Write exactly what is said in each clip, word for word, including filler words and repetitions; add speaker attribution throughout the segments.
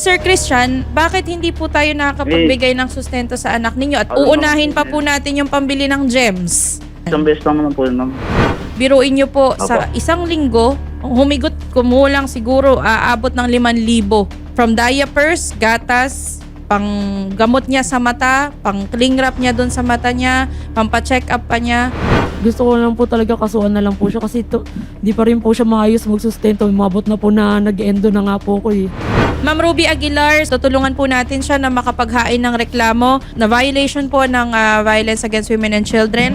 Speaker 1: Sir Christian, bakit hindi po tayo nakakapagbigay ng sustento sa anak ninyo at uunahin pa po natin yung pambili ng gems?
Speaker 2: Isang beses lang naman po yun, ma'am.
Speaker 1: Biruin nyo po,
Speaker 2: Opo.
Speaker 1: sa isang linggo, humigot kumulang siguro aabot ng limang libo. From diapers, gatas, pang gamot niya sa mata, pang cling wrap niya doon sa mata niya, pang pa-check up pa niya.
Speaker 3: Gusto ko lang po talaga kasuhan na lang po siya kasi to, di pa rin po siya maayos magsustento. Umabot na po na nag-endo na nga po ko eh.
Speaker 1: Ma'am Ruby Aguilar, tutulungan po natin siya na makapaghain ng reklamo na violation po ng ah, Violence Against Women and Children.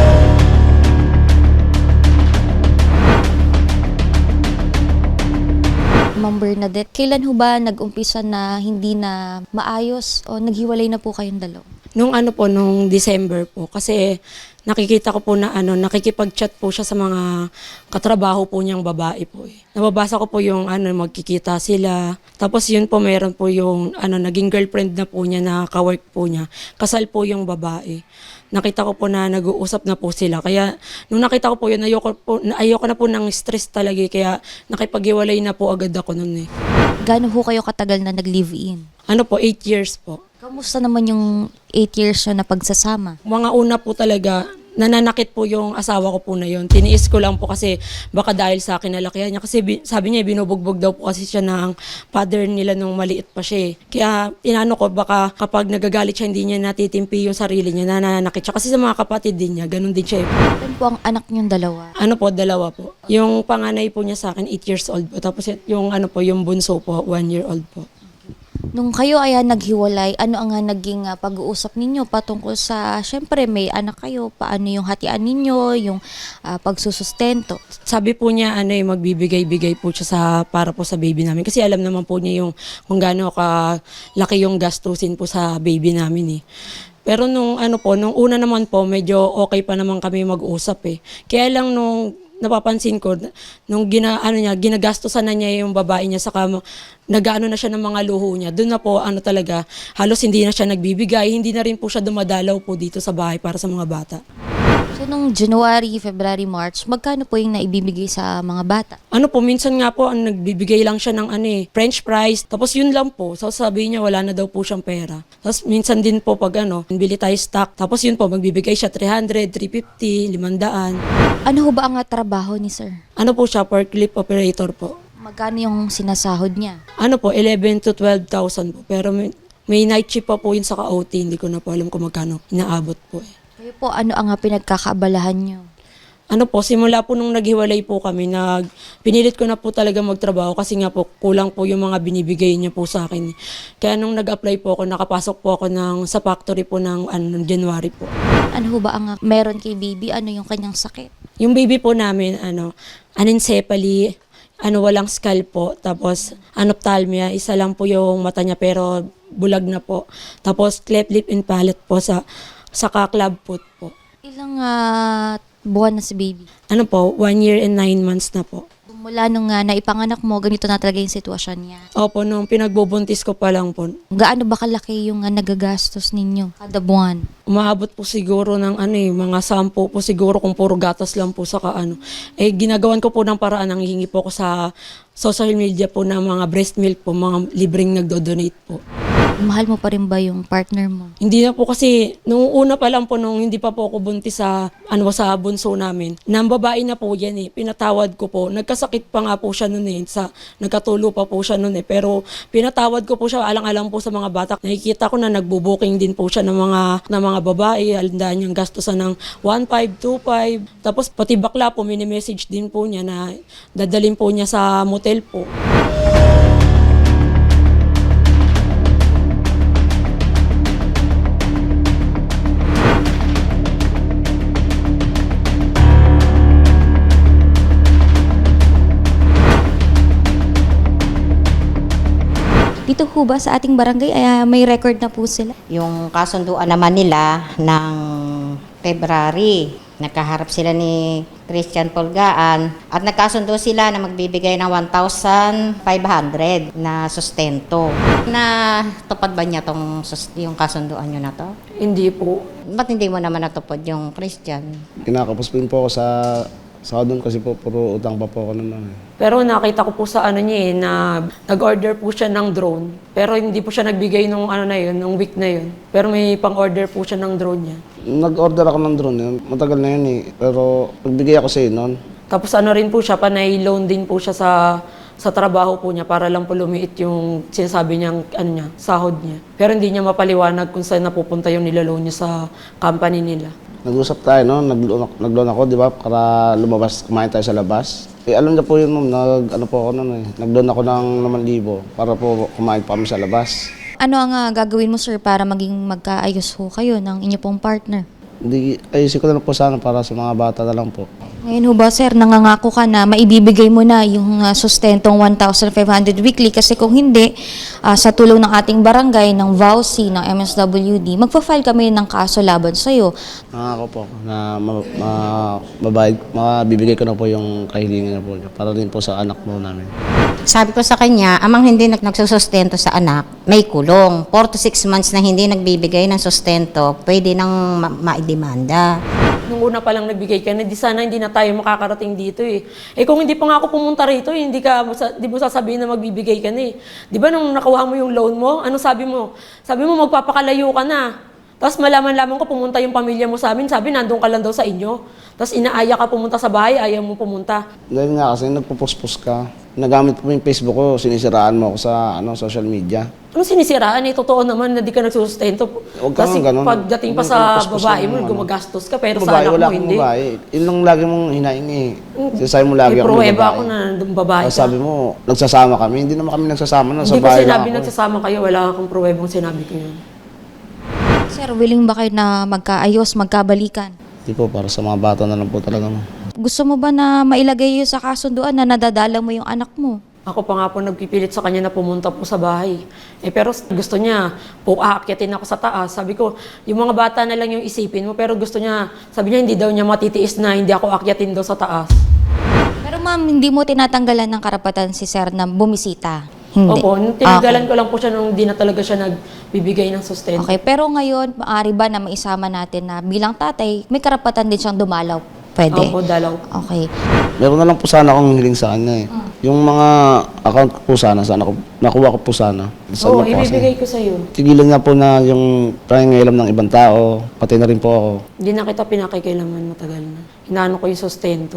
Speaker 4: Ma'am Bernadette, kailan ho ba nag-umpisa na hindi na maayos o naghiwalay na po kayong dalawa?
Speaker 3: Nung ano po, nung December po. Kasi nakikita ko po na ano, nakikipag-chat po siya sa mga katrabaho po niyang babae po eh. Nababasa ko po yung ano, magkikita sila. Tapos yun po, meron po yung ano, naging girlfriend na po niya na kawork po niya. Kasal po yung babae. Nakita ko po na nag-uusap na po sila. Kaya nung nakita ko po yun, ayoko, po, ayoko na po ng stress talaga. eh. Kaya nakipag-iwalay na po agad ako nun eh.
Speaker 4: Gaano ho kayo katagal na nag-live-in?
Speaker 3: Ano po, eight years po.
Speaker 4: Kamusta naman yung eight years na pagsasama?
Speaker 3: Mga una po talaga, nananakit po yung asawa ko po na yun. Tiniis ko lang po kasi baka dahil sa akin nalakihan niya. Kasi bi- sabi niya, binubugbog daw po kasi siya ng father nila nung maliit pa siya eh. Kaya inano ko, baka kapag nagagalit siya, hindi niya natitimpi yung sarili niya, nananakit siya. Kasi sa mga kapatid din niya, ganun din siya eh.
Speaker 4: Ilan po ang anak niyong dalawa?
Speaker 3: Ano po, dalawa po. Yung panganay po niya sa akin, eight years old po. Tapos yung ano po, yung bunso po, one year old po.
Speaker 4: Nung kayo ay naghiwalay, ano ang ah, naging ah, pag-uusap ninyo patungkol sa, syempre may anak kayo, paano yung hatian ninyo, yung ah, pagsusustento?
Speaker 3: Sabi po niya, ano eh, magbibigay-bigay po siya sa, para po sa baby namin. Kasi alam naman po niya yung kung gaano kalaki yung gastusin po sa baby namin eh. Pero nung ano po, nung una naman po, medyo okay pa naman kami mag-usap eh. Kaya lang nung napapansin ko, nung gina, ano niya, ginagastosan na niya yung babae niya, saka nag-ano na siya ng mga luho niya, doon na po ano talaga, halos hindi na siya nagbibigay, hindi na rin po siya dumadalaw po dito sa bahay para sa mga bata.
Speaker 4: So nung January, February, March, magkano po yung naibibigay sa mga bata?
Speaker 3: Ano po, minsan nga po, ang nagbibigay lang siya ng ano eh, French fries, tapos yun lang po. So sabi niya, wala na daw po siyang pera. Tapos minsan din po pag ano, bili tayo stock, tapos yun po, magbibigay siya three hundred, three fifty, limandaan.
Speaker 4: Ano ho ba ang ah, trabaho ni sir?
Speaker 3: Ano po siya, forklift operator po.
Speaker 4: Magkano yung sinasahod niya?
Speaker 3: Ano po, eleven to twelve thousand po. Pero may, may night shift pa po yun sa ka-O T, hindi ko na po alam kung magkano inaabot po eh.
Speaker 4: Kayo po, ano ang ah, pinagkakaabalahan niyo?
Speaker 3: Ano po, simula po nung naghiwalay po kami, nag, pinilit ko na po talaga magtrabaho kasi nga po kulang po yung mga binibigay niya po sa akin. Kaya nung nag-apply po ako, nakapasok po ako ng, sa factory po ng ano, January po.
Speaker 4: Ano ho ba ang ah, meron kay baby? Ano yung kanyang sakit?
Speaker 3: Yung baby po namin, ano, anencephaly, ano, walang skull po, tapos anophthalmia, isa lang po yung mata niya pero bulag na po. Tapos cleft lip and palate po sa, sa club foot po.
Speaker 4: Ilang ah, buwan na si baby?
Speaker 3: Ano po, one year and nine months na po.
Speaker 4: Mula nung uh, naipanganak mo, ganito na talaga yung sitwasyon niya.
Speaker 3: Opo, nung pinagbubuntis ko pa lang po,
Speaker 4: Gaano ba kalaki yung uh, nagagastos ninyo kada buwan?
Speaker 3: umaabot po siguro ng ano eh, mga sampo po siguro kung puro gatas lang po sa kaano. Eh, ginagawan ko po ng paraan, nanghihingi po ako sa social media po ng mga breast milk po, mga libreng nagdo-donate po.
Speaker 4: Mahal mo pa rin ba yung partner mo?
Speaker 3: Hindi na po kasi, nung una pa lang po, nung hindi pa po ako buntis sa, ano, sa bunso namin, nang babae na po yan eh, pinatawad ko po. Nagkasakit pa nga po siya noon eh, sa, nagkatulo pa po siya noon eh, pero pinatawad ko po siya, alang-alang po sa mga bata. Nakikita ko na nagbubuking din po siya ng mga, ng mga babae, alandaan niyang gastusan ng one five, two five. Tapos pati bakla po, mini-message din po niya na dadalhin po niya sa motel po.
Speaker 4: Dito ho ba sa ating barangay ay ah, may record na po sila?
Speaker 5: Yung kasunduan naman nila ng February, nakaharap sila ni Christian Polgaan at nagkasundo sila na magbibigay ng one thousand five hundred na sustento. Na tupad ba niya tong sus- yung kasunduan nyo na to?
Speaker 3: Hindi po.
Speaker 5: Ba't hindi mo naman natupad yung Christian?
Speaker 6: Kinakapos po po ako sa
Speaker 2: Sa doon kasi po, puro utang pa po ako naman. eh.
Speaker 3: Pero nakita ko po sa ano niya eh, na nag-order po siya ng drone. Pero hindi po siya nagbigay nung ano na yun, nung week na yun. Pero may pang-order po siya ng drone niya.
Speaker 2: Nag-order ako ng drone, yun. Matagal na yun eh. Pero nagbigay ako sa iyo noon.
Speaker 3: Tapos ano rin po siya, panay loan din po siya sa sa trabaho po niya para lang po lumiit yung sinasabi niyang ano niya, sahod niya. Pero hindi niya mapaliwanag kung saan napupunta yung nilaloan niya sa company nila.
Speaker 2: Nag-usap tayo, no? Nag-loan ako, nag-loan ako, di ba? Para lumabas, kumain tayo sa labas. Eh, alam niya po yun, ma'am. Nag, ano po ako nun eh. Nag-loan ako ng naman libo para po kumain pa kami sa labas.
Speaker 4: Ano ang ah, gagawin mo, sir, para maging magkaayos ho kayo ng inyo pong partner?
Speaker 2: Hindi, ayusin ko na lang po sana para sa mga bata na lang po.
Speaker 4: Ngayon ho ba, sir, nangangako ka na maibibigay mo na yung ah, sustentong one thousand five hundred weekly kasi kung hindi, ah, sa tulong ng ating barangay, ng V A U C, ng M S W D, magpa-file kami ng kaso laban sa'yo.
Speaker 2: Nangako po ako na ma, ma, mabayad, mabibigay ko na po yung kahilingan na po niya para rin po sa anak mo namin.
Speaker 5: Sabi ko sa kanya, amang hindi nag nagsusustento sa anak, may kulong. four to six months na hindi nagbibigay ng sustento, pwede nang ma- maidemanda.
Speaker 3: Nung una pa lang nagbigay ka na, di sana hindi na tayo makakarating dito eh. Eh kung hindi pa nga ako pumunta rito, eh, hindi ka, di mo sasabihin na magbibigay ka na eh. Di ba nung nakuha mo yung loan mo, ano sabi mo? Sabi mo magpapakalayo ka na. Tapos malaman-laman ko pumunta yung pamilya mo sa amin, sabi nandun ka lang daw sa inyo. Tapos inaaya ka pumunta sa bahay, ayaw mo pumunta.
Speaker 2: Dahil nga kasi nagpo-post-post ka. Nagamit po yung Facebook ko, sinisiraan mo ako sa ano, social media.
Speaker 3: Ano sinisiraan eh? Totoo naman na di ka nagsusustento.
Speaker 2: Huwag ka
Speaker 3: Kasi
Speaker 2: nga ganun.
Speaker 3: pagdating pa
Speaker 2: Yung
Speaker 3: sa
Speaker 2: post-post
Speaker 3: babae
Speaker 2: lang
Speaker 3: mo,
Speaker 2: yung ano.
Speaker 3: gumagastos ka, pero sa
Speaker 2: Babae,
Speaker 3: anak
Speaker 2: wala
Speaker 3: mo
Speaker 2: akong
Speaker 3: hindi.
Speaker 2: babae. Yun lang lagi mong hinaing eh. Sinasabi mo lagi
Speaker 3: May
Speaker 2: ako
Speaker 3: pruweba ako na nandun babae
Speaker 2: Tapos
Speaker 3: ka.
Speaker 2: sabi mo, nagsasama kami. Hindi naman kami nagsasama na sa
Speaker 3: Hindi ko
Speaker 2: bahay
Speaker 3: sinabi
Speaker 2: lang ako.
Speaker 3: nagsasama kayo, wala akong pruwebang sinabi ko yun.
Speaker 4: Sir, willing ba kayo na magkaayos, magkabalikan?
Speaker 2: Hindi po, para sa mga bata na lang po talaga mo.
Speaker 4: Gusto mo ba na mailagay yun sa kasunduan na nadadala mo yung anak mo?
Speaker 3: Ako pa nga po nagpipilit sa kanya na pumunta po sa bahay. Eh pero gusto niya, po aakyatin ako sa taas. Sabi ko, yung mga bata na lang yung isipin mo, pero gusto niya, sabi niya hindi daw niya matitiis na hindi ako aakyatin daw sa taas.
Speaker 4: Pero ma'am, hindi mo tinatanggalan ng karapatan si sir na bumisita? Hindi.
Speaker 3: Opo, tinanggalan ko lang po siya nung di na talaga siya nagbibigay ng sustento.
Speaker 4: Okay, pero ngayon, maaari ba na maisama natin na bilang tatay, may karapatan din siyang dumalaw? Pwede?
Speaker 3: Opo, dalaw.
Speaker 4: Okay.
Speaker 2: Meron na lang po sana akong hiling sa kanya eh. Yung mga account ko po sana, sana ko, nakuha ko po sana. Sa
Speaker 3: Oo,
Speaker 2: ano po kasi.
Speaker 3: ibibigay ko sa'yo.
Speaker 2: Tigilan niya po na yung pangingailam ng ibang tao, pati na rin po ako.
Speaker 3: Hindi na kita pinakikilaman matagal na. Inaano ko yung sustento.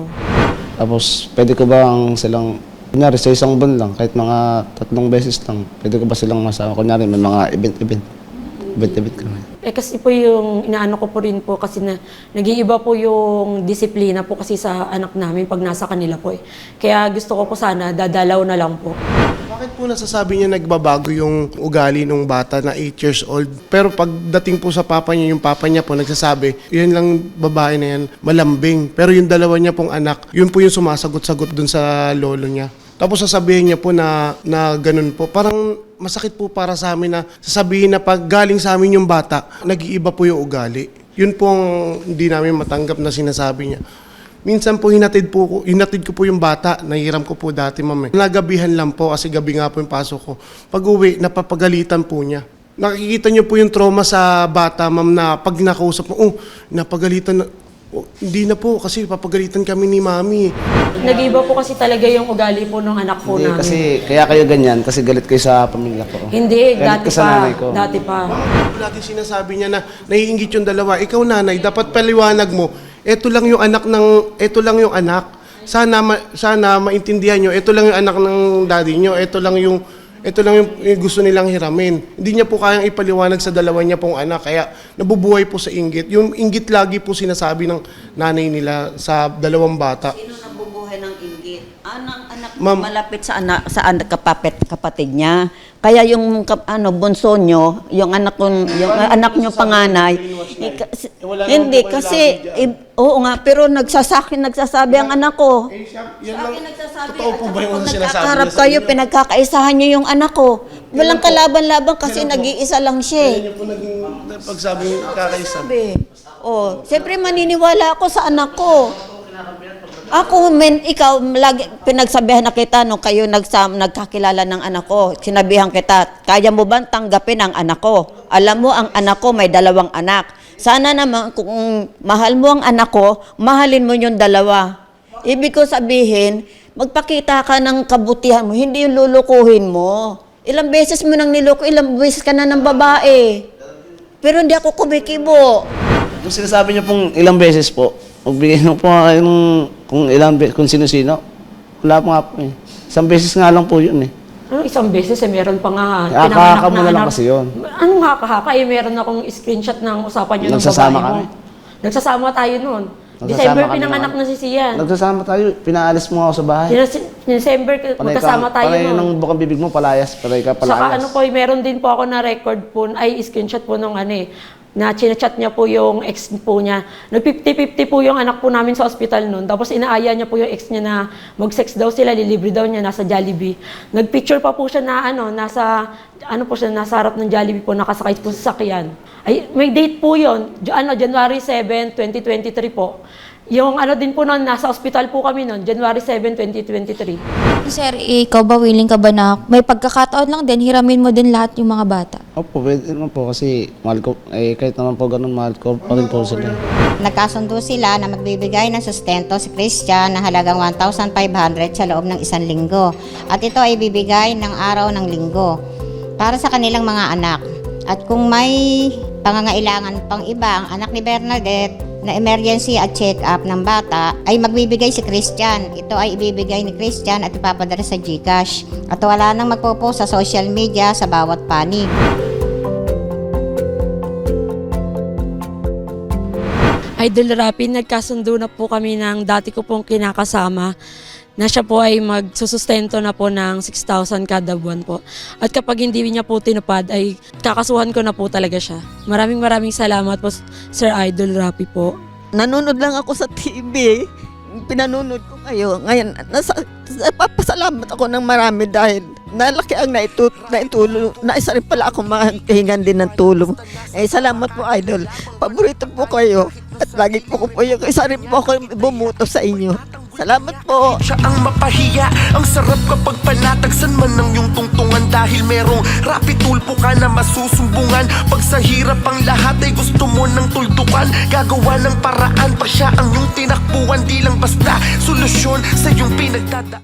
Speaker 2: Tapos, pwede ko ba ang silang, kunyari sa isang buwan lang, kahit mga tatlong beses lang, pwede ko ba silang masama? Kunyari, may mga event-event. Event-event kami.
Speaker 3: Eh kasi po yung inaano ko po rin po kasi na nag-iiba po yung disiplina po kasi sa anak namin pag nasa kanila po eh. Kaya gusto ko po sana dadalaw na lang po.
Speaker 6: Bakit po nasasabi niya nagbabago yung ugali ng bata na eight years old? Pero pagdating po sa papa niya, yung papa niya po nagsasabi, yun lang babae na yan, malambing. Pero yung dalawa niya pong anak, yun po yung sumasagot-sagot dun sa lolo niya. Tapos sasabihin niya po na, na ganun po. Parang masakit po para sa amin na sasabihin na pag galing sa amin yung bata, nag-iiba po yung ugali. Yun po ang hindi namin matanggap na sinasabi niya. Minsan po hinatid, po, ko- hinatid ko po yung bata, nahiram ko po dati ma'am eh. Nagabihan lang po kasi gabi nga po yung pasok ko. Pag uwi, napapagalitan po niya. Nakikita niyo po yung trauma sa bata ma'am na pag nakausap mo, oh, napagalitan na. Oh, hindi na po kasi papagalitan kami ni mami.
Speaker 3: Nag-iiba po kasi talaga yung ugali po ng anak po
Speaker 2: Hindi,
Speaker 3: namin.
Speaker 2: kasi, kaya kayo ganyan, kasi galit kayo sa pamilya ko.
Speaker 3: Hindi,
Speaker 2: Galit
Speaker 3: dati
Speaker 2: ka sa
Speaker 3: pa.
Speaker 2: nanay ko.
Speaker 3: Dati pa.
Speaker 6: Lagi sinasabi niya na naiinggit yung dalawa. Ikaw nanay, dapat paliwanag mo. Ito lang yung anak ng, ito lang yung anak. Sana, ma, sana maintindihan nyo. Ito lang yung anak ng daddy nyo. Ito lang yung, ito lang yung, yung gusto nilang hiramin. Hindi niya po kayang ipaliwanag sa dalawa niya pong anak. Kaya nabubuhay po sa inggit. Yung inggit lagi po sinasabi ng nanay nila sa dalawang bata.
Speaker 7: Sino nabubuhay ng inggit? Anang anak
Speaker 6: Ma'am.
Speaker 7: malapit sa anak sa anak kapapit kapatid niya. Kaya yung kap- ano bunso nyo, yung anak ko, yung anak nyo panganay, eh, kasi- hindi kasi eh, oo nga pero nagsasakin nagsasabi ang anak ko.
Speaker 6: Eh, siya, yan
Speaker 7: Sa
Speaker 6: lang,
Speaker 7: akin nagsasabi,
Speaker 6: totoo po ba yung
Speaker 7: pag
Speaker 6: sinasabi
Speaker 7: nagkakaharap
Speaker 6: niya sa
Speaker 7: kayo,
Speaker 6: inyo?
Speaker 7: pinagkakaisahan nyo yung anak ko. Walang kalaban-laban kasi nag-iisa lang siya. eh.
Speaker 6: Yan yung po naging pagsabi ng kakaisa.
Speaker 7: Sabi, oh, siyempre maniniwala ako sa anak ko. Ako, men, ikaw, lagi, pinagsabihan na kita nung kayo nagsam, nagkakilala ng anak ko. Sinabihan kita, kaya mo ba tanggapin ang anak ko? Alam mo, ang anak ko may dalawang anak. Sana naman, kung mahal mo ang anak ko, mahalin mo yung dalawa. Ibig ko sabihin, magpakita ka ng kabutihan mo, hindi yung lulukuhin mo. Ilang beses mo nang niloko, ilang beses ka na ng babae. Pero hindi ako kumikibo.
Speaker 2: Kung sinasabi niyo pong ilang beses po, magbigay niyo po yung kung ilang be- kung sino-sino. Wala pa nga po eh. Isang beses nga lang po yun eh.
Speaker 3: Ano, isang beses eh, meron pa nga.
Speaker 2: Kaya
Speaker 3: pinanganak
Speaker 2: kahaka mo
Speaker 3: na
Speaker 2: na lang
Speaker 3: anak.
Speaker 2: kasi yun.
Speaker 3: Anong haka-haka? Eh, meron akong screenshot ng usapan niyo ng
Speaker 2: Nagsasama
Speaker 3: babae mo.
Speaker 2: kami.
Speaker 3: Nagsasama tayo noon.
Speaker 2: Nagsasama
Speaker 3: December
Speaker 2: kami
Speaker 3: pinanganak
Speaker 2: naman.
Speaker 3: na si Sian.
Speaker 2: Nagsasama tayo, pinaalis mo nga ako sa bahay.
Speaker 3: Dece- December, magkasama tayo
Speaker 2: Panay
Speaker 3: noon.
Speaker 2: ng bukang bibig mo, palayas. Panay ka palayas.
Speaker 3: Saka ano po, eh, meron din po ako na record po, ay screenshot po nung ano eh, na chinachat niya po yung ex po niya. Nag fifty fifty po yung anak po namin sa ospital noon. Tapos inaaya niya po yung ex niya na mag-sex daw sila, lilibre daw niya, nasa Jollibee. Nag-picture pa po siya na ano, nasa, ano po siya, nasa harap ng Jollibee po, nakasakay po sa sakyan. Ay, may date po yun, J- ano, January seventh, twenty twenty-three po. Yung ano din po noon, nasa ospital po kami noon, January seventh, twenty twenty-three.
Speaker 4: Sir, ikaw ba willing ka ba na may pagkakataon lang din, hiramin mo din lahat yung mga bata?
Speaker 2: Opo, pwede naman po kasi mahal ko, eh kahit naman po ganun, mahal ko pa rin po sila.
Speaker 5: Nagkasundo sila na magbibigay ng sustento si Christian na halagang one thousand five hundred sa loob ng isang linggo. At ito ay bibigay ng araw ng linggo para sa kanilang mga anak. At kung may pangangailangan pang iba, ang anak ni Bernadette na emergency at check-up ng bata, ay magbibigay si Christian. Ito ay ibibigay ni Christian at ipapadala sa GCash. At wala nang magpo-post sa social media sa bawat panig.
Speaker 3: Idol Rapi, nagkasundo na po kami ng dati ko pong kinakasama na siya po ay magsusustento na po ng six thousand kada buwan po. At kapag hindi niya po tinupad, ay kakasuhan ko na po talaga siya. Maraming maraming salamat po, Sir Idol Rapi po.
Speaker 8: Nanonood lang ako sa T V. Pinanonood ko kayo. Ngayon, nasa, napapasalamat ako ng marami dahil nalaki ang naitut, naitulong. Naisa rin pala ako makahingan din ng tulong. Eh, salamat po, Idol. Paborito po kayo. At lagi po ko po yung isa rin po ako bumuto sa inyo. Salamat po.
Speaker 9: Siya ang mapahiya. Ang sarap kapag panatagsan man ng iyong tungtungan dahil merong rapid tulpo ka na masusumbungan. Pag sa hirap ang lahat ay gusto mo ng tuldukan, gagawa ng paraan pa siya ang iyong tinakbuhan. Di lang basta solusyon sa iyong pinagdada.